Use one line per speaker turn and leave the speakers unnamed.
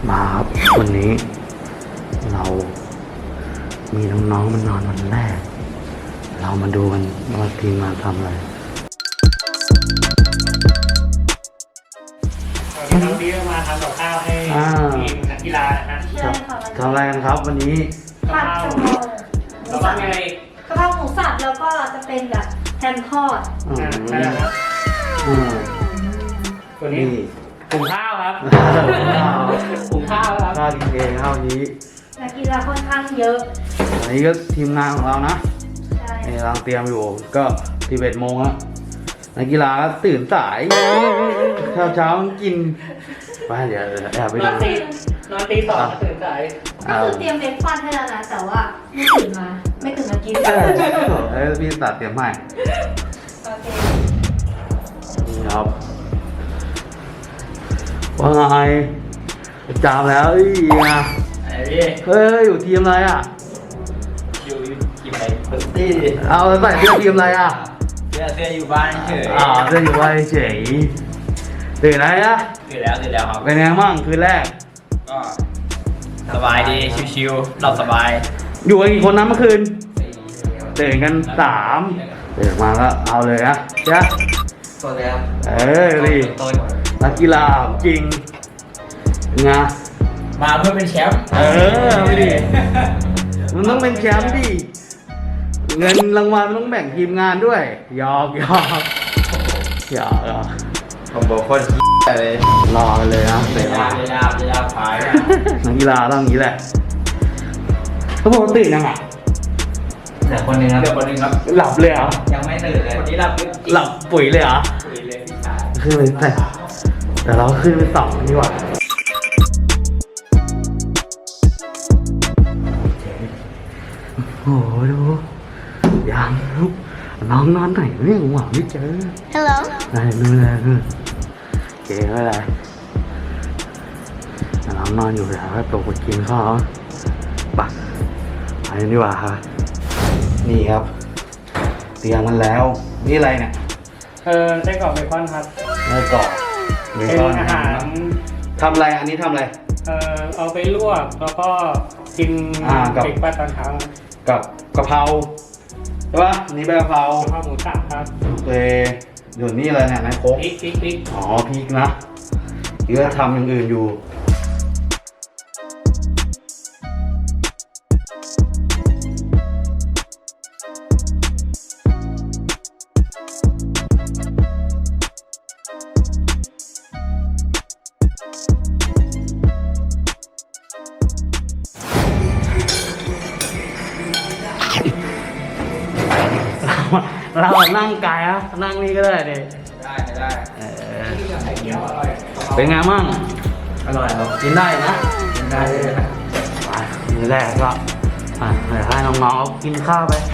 มาครับวันนี้เรามีน้องๆมันนอนวันแรกเรามาดูกันว่าทีมงานทำอะไร
น้องดีมาทำกับข้าวให้ทีมนักกีฬานะฮะ
ทำอะไรกันครับวันนี้
ผัดกะเพรา
แล้วก็ไง
กะเพราหมูสับแล้วก็จะเป็นแบบแฮมทอด
ใช่แล้วครับตัวนี้หุงข้าวครับหุงข้าวครับ
ข้าวกินเองข้าวนี้
นักกีฬาค่อนข้างเยอะ
อันนี้ก็ทีมงานของเรานะ
ใช่
กำลังเตรียมอยู่ก็11 โมงแล้วนักกีฬาก็ตื่นสายเช้ากินไปเดี๋ยวแอบไปดู
นอนตีสองตื่นสาย
ก็คือเตรียมเบรกฟาสต์ให้แล้วนะแต่ว่าไม่ตื่นมากิน
พี่ตัดเตรียมให้
โอเค
นี่ครับว่าไงจามแล้วเฮ้ยอยู่ทีมอะไรอ่ะ
อยู่ทีมอะไรตี้
เอาใส่เสื้อทีมอะไรอ่ะ
เสื้ออยู่บ้านเฉย
เสื้ออยู่บ้านเฉยตื่นไหนอ่ะ
ตื่นแล้วครับ
เป็นไงบ้างคืนแรก
ก็สบายดีชิวๆหลับสบาย
อยู่กันกี่คนนะเมื่อคืนตื่นกัน3ตื่นมาก็เอาเลยนะจ๊ะ
ตัวแล้ว
ดินักกีฬาจริงไง
มาเพื่อเป็นแชมป์
ไม่ดิมันต้องเป็นแชมป์ดิเงินรางวัลมันต้องแบ่งทีมงานด้วยหยอก
ผมบอกคนเลย
รอเลยนะเ
วลาพาย
นักกีฬาต้องอย่างนี้แหละเขาบอกตื่นยังอ่ะ
แต่คนนึงครับ
หลับเลยเหรอ
ยังไม่ตื่นเลยคนนี้
หลับปุ๋ยเลยเหรอ
ปุ๋ยเลยพี่ชาย
ขึ้นไปแต่เราขึ้นไป2กันดีกว่าโอ้โหดูยังลูกน้องนอนไหนเนี่ยหวังไม่เจอ
Hello
ได้นู่นเก๋ไม่ไรน้องนอนอยู่แล้วก็ตกไปกินข้าวปักไปดีกว่าครับนี่ครับเตรียมมันแล้วนี่อะไรเนี่ย
ไส้กรอกเบคอนครับ
ไส้กรอกเบคอน
อาหาร
ทำอะไรอันนี้ทำอะไร
เอาไปลวกแล้วก็กินเบรกฟาสต์ตอนเช้า
กับกะเพราใช่ปะนี่เป็นกะเพรา
หมูสับครับ
โอเคเดี๋ยวนี้อะไรเนี่ยนายโค้ก
พริก
อ๋อพริกนะเดี๋ยวทำอย่างอื่นอยู่เรานั่งกายอะนั่งนี่ก็ได้ดิ
ได้
เป็นไงมั่ง
อร่อยครับ
กินได้นะ
กินได้เลย
ไปทีแรกก็ให้น้องๆเอากินข้าวไป